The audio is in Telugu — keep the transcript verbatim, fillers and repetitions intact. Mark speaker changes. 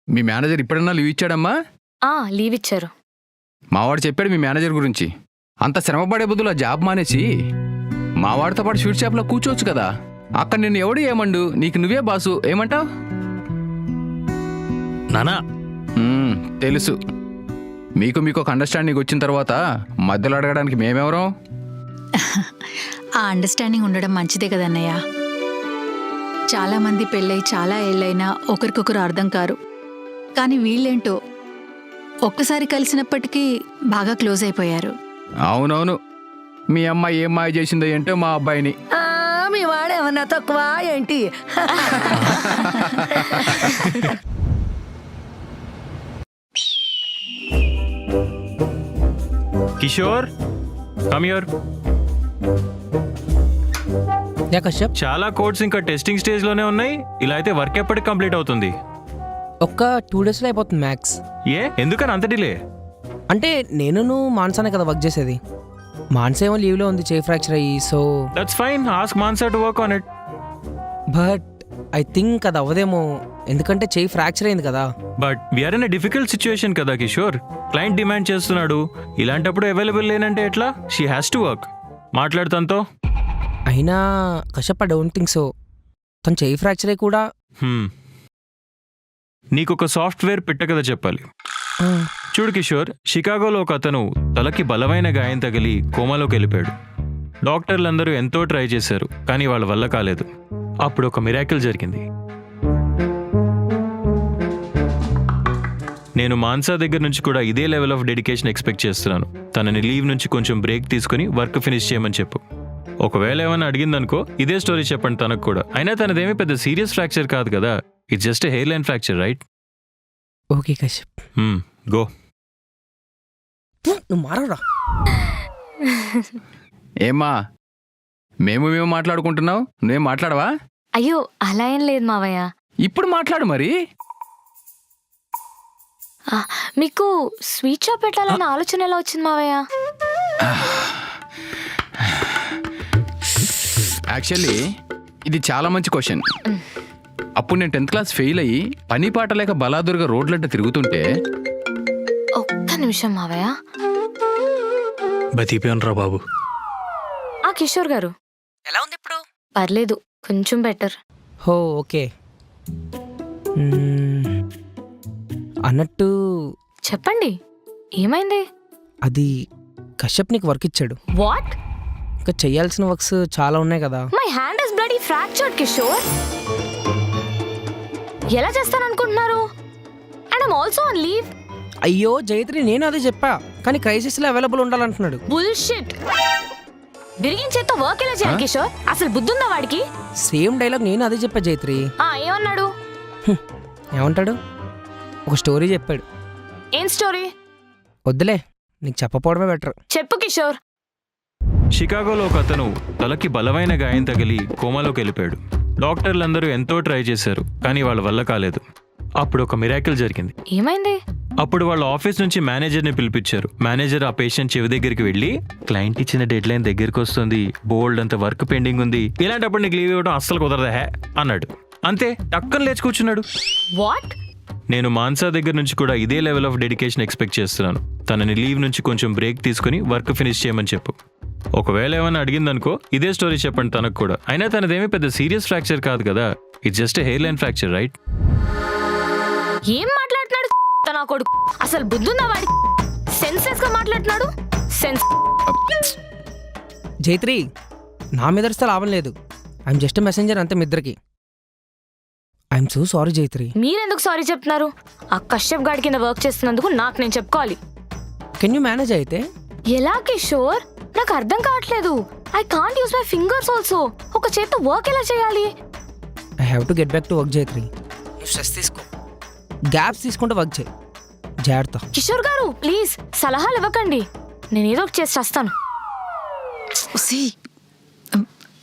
Speaker 1: మీ మేనేజర్ ఇప్పుడన్నా లీవ్ ఇచ్చాడమ్మా?
Speaker 2: ఆ లీవ్ ఇచ్చారు.
Speaker 1: మావాడు చెప్పాడు మీ మేనేజర్ గురించి. అంత శ్రమపడే బదులు ఆ జాబ్ మానేసి మావాడితో పాటు స్వీట్ షాప్లో కూర్చోవచ్చు కదా. అక్కడ నిన్ను ఎవడు ఏమండు, నీకు నువ్వే బాసు. ఏమంటావు?
Speaker 3: నానా
Speaker 1: తెలుసు. మీకు మీకు ఒక అండర్స్టాండింగ్ వచ్చిన తర్వాత మధ్యలో అడగడానికి మేమెవరం?
Speaker 4: ఆ అండర్స్టాండింగ్ ఉండడం మంచిదే కదన్నయ్య. చాలా మంది పెళ్ళై చాలా ఏళ్ళైనా ఒకరికొకరు అర్థం కారు. కానీ వీళ్ళేంటో ఒక్కసారి కలిసినప్పటికీ బాగా క్లోజ్ అయిపోయారు.
Speaker 1: అవునవును. మీ అమ్మాయి ఏం మాయ చేసిందో ఏంటో మా అబ్బాయిని.
Speaker 5: మీ వాడేమన్నా తక్కువ ఏంటి?
Speaker 3: Kishore come here.
Speaker 6: Yeah Kashyap.
Speaker 3: చాలా కోడ్స్ ఇంకా టెస్టింగ్ స్టేజ్ లోనే ఉన్నాయి. ఇలా అయితే వర్క్ ఎప్పటికి కంప్లీట్ అవుతుంది?
Speaker 6: ఒక్క టూ డేస్లో అయిపోతుంది మ్యాక్స్.
Speaker 3: ఏ ఎందుకని అంత డిలే?
Speaker 6: అంటే నేను మాన్సానే కదా వర్క్ చేసేది. మాన్సా ఏమో లీవ్లో ఉంది, చేయి ఫ్రాక్చర్ అయ్యి. So
Speaker 3: that's fine, ask Mansa to work on it.
Speaker 6: But I think అది అవ్వదేమో, ఎందుకంటే చేయి ఫ్రాక్చర్ అయింది కదా.
Speaker 3: But we're in a difficult situation కదా కిషోర్. క్లయింట్ డిమాండ్ చేస్తున్నాడు. ఇలాంటప్పుడు అవైలబుల్ లేనంటే ఎట్లా? She has to work. మాట్లాడుతాంతో.
Speaker 6: అయినా Kashyap I don't think so. తను చేయి ఫ్రాక్చర్ అయ్యి కూడా.
Speaker 3: నీకు ఒక సాఫ్ట్వేర్ పెట్ట కదా చెప్పాలి. చూడు కిషోర్, షికాగోలో ఒక అతను తలకి బలమైన గాయం తగిలి కోమాలోకి వెళ్ళిపోయాడు. డాక్టర్లందరూ ఎంతో ట్రై చేశారు, కానీ వాళ్ళ వల్ల కాలేదు. అప్పుడు ఒక మిరాకిల్ జరిగింది. నేను మాన్సా దగ్గర నుంచి కూడా ఇదే లెవెల్ ఆఫ్ డెడికేషన్ ఎక్స్పెక్ట్ చేస్తున్నాను. తనని లీవ్ నుంచి కొంచెం బ్రేక్ తీసుకుని వర్క్ ఫినిష్ చేయమని చెప్పు. ఒకవేళ ఏమైనా అడిగిందనుకో ఇదే స్టోరీ చెప్పండి తనకు కూడా. అయినా తనదేమీ పెద్ద సీరియస్ ఫ్రాక్చర్ కాదు కదా. It's just a hairline fracture, right?
Speaker 6: Okay Kashyap,
Speaker 3: go.
Speaker 6: నువ్వు మారరా.
Speaker 1: ఏమ్మా, మేము మేము మాట్లాడుకుంటున్నావు, నువ్వేం మాట్లాడవా?
Speaker 2: అయ్యో అలా ఏం లేదు మావయ్య.
Speaker 1: ఇప్పుడు మాట్లాడు మరి.
Speaker 2: ఆ, మీకు స్వీట్ షాప్ పెట్టాలన్న ఆలోచన ఎలా వచ్చింది మావయ్య?
Speaker 1: యాక్చువల్లీ ఇది చాలా మంచి క్వశ్చన్. అప్పుడు నేను టెన్త్ క్లాస్ ఫెయిల్ అయ్యి పని పాట లేక బలాదుర్గా రోడ్లంట తిరుగుతుంటే.
Speaker 2: ఒక్క నిమిషం మావయ్య.
Speaker 3: బతిపోయానురా బాబు.
Speaker 2: ఆ కిషోర్ గారు
Speaker 5: ఎలా ఉంది ఇప్పుడు?
Speaker 2: పర్లేదు, కొంచెం బెటర్.
Speaker 6: హో ఓకే. అన్నట్టు
Speaker 2: చెప్పండి, ఏమైంది?
Speaker 6: అది కశ్యప్ నీకు వర్క్ ఇచ్చాడు.
Speaker 2: వాట్?
Speaker 6: ఇంకా చెయ్యాల్సిన వర్క్స్ చాలా ఉన్నాయి కదా.
Speaker 2: My hand is bloody fractured Kishore. ఎలా చేస్తాననుకుంటున్నారు? And I'm also on leave.
Speaker 6: అయ్యో జైత్రి, నేను అదే చెప్పా, కానీ క్రైసిస్ లో అవైలబుల్ ఉండాలంటున్నాడు.
Speaker 2: బుల్షిట్. విరిగిన చేత్తో వర్క్ ఎలా చేయాలి కిషోర్? అసలు బుద్ధుందా వాడికి?
Speaker 6: సేమ్ డైలాగ్ నేను అదే చెప్పా జైత్రి.
Speaker 2: ఆ ఏమన్నాడు?
Speaker 6: ఏమంటాడు? ఒక స్టోరీ చెప్పాడు.
Speaker 2: ఏం స్టోరీ?
Speaker 6: వద్దులే, నీకు చెప్పపోవడమే బెటర్.
Speaker 2: చెప్పు కిషోర్.
Speaker 3: షికాగోలో ఒక అతను తలకి బలమైన గాయం తగిలి కోమాలోకి వెళ్ళిపోయాడు. డాక్టర్లందరూ ఎంతో ట్రై చేశారు, కానీ వాళ్ళ వల్ల కాలేదు. అప్పుడు ఒక మిరాకిల్ జరిగింది.
Speaker 2: ఏమైంది?
Speaker 3: అప్పుడు వాళ్ళ ఆఫీస్ నుంచి మేనేజర్ని పిలిపించారు. మేనేజర్ ఆ పేషెంట్ చెవి దగ్గరికి వెళ్ళి, క్లయింట్ ఇచ్చిన డెడ్ లైన్ దగ్గరికి వస్తుంది, బోల్డ్ అంత వర్క్ పెండింగ్ ఉంది, ఇలాంటప్పుడు నీకు లీవ్ ఇవ్వడం అస్సలు కుదరదా హే అన్నాడు. అంతే, టక్కన లేచి కూర్చున్నాడు.
Speaker 2: వాట్?
Speaker 3: నేను మాన్సా దగ్గర నుంచి కూడా ఇదే లెవెల్ ఆఫ్ డెడికేషన్ ఎక్స్పెక్ట్ చేస్తున్నాను. తనని లీవ్ నుంచి కొంచెం బ్రేక్ తీసుకుని వర్క్ ఫినిష్ చేయమని చెప్పు. ఒకవేళ ఏమైనా అడిగిందనుకో ఇదే స్టోరీ చెప్పండి తనకు కూడా. అయినా తనదేమీ పెద్ద సీరియస్ ఫ్రాక్చర్ కాదు కదా. It's just a hairline fracture, right?
Speaker 2: ఏం మాట్లాడుతున్నాడు నా కొడుకు? అసలు బుద్ధుందా వాడి? సెన్స్లెస్ గా మాట్లాడుతున్నాడు. సెన్స్.
Speaker 6: జైత్రి, నా మీద అరిస్తే లాభం లేదు. ఐఎమ్ జస్ట్ మెసెంజర్ అంతే మీ ఇద్దరికి. I'm so sorry Jaitri.
Speaker 2: మీరెందుకు సారీ చెప్తున్నారు? ఆ కశ్యప్ గాడి కింద వర్క్ చేస్తున్నందుకు నాకు నేను చెప్పుకోవాలి.
Speaker 6: కెన్ యూ మేనేజ్ అయితే?
Speaker 2: ఎలా కిషోర్? నాకు అర్థం కావట్లేదు. I can't use my fingers also. ఒక చేత్తో వర్క్ ఎలా చేయాలి?
Speaker 6: I have to get back to work Jaitri. Stress తీసుకో, గ్యాప్స్ తీసుకుంటూ వర్క్ చేయి. జాగ్రత్త.
Speaker 2: కిషోర్ గారు ప్లీజ్ సలహాలు ఇవ్వకండి. నేను ఏదో ఒకటి చేసి వస్తాను.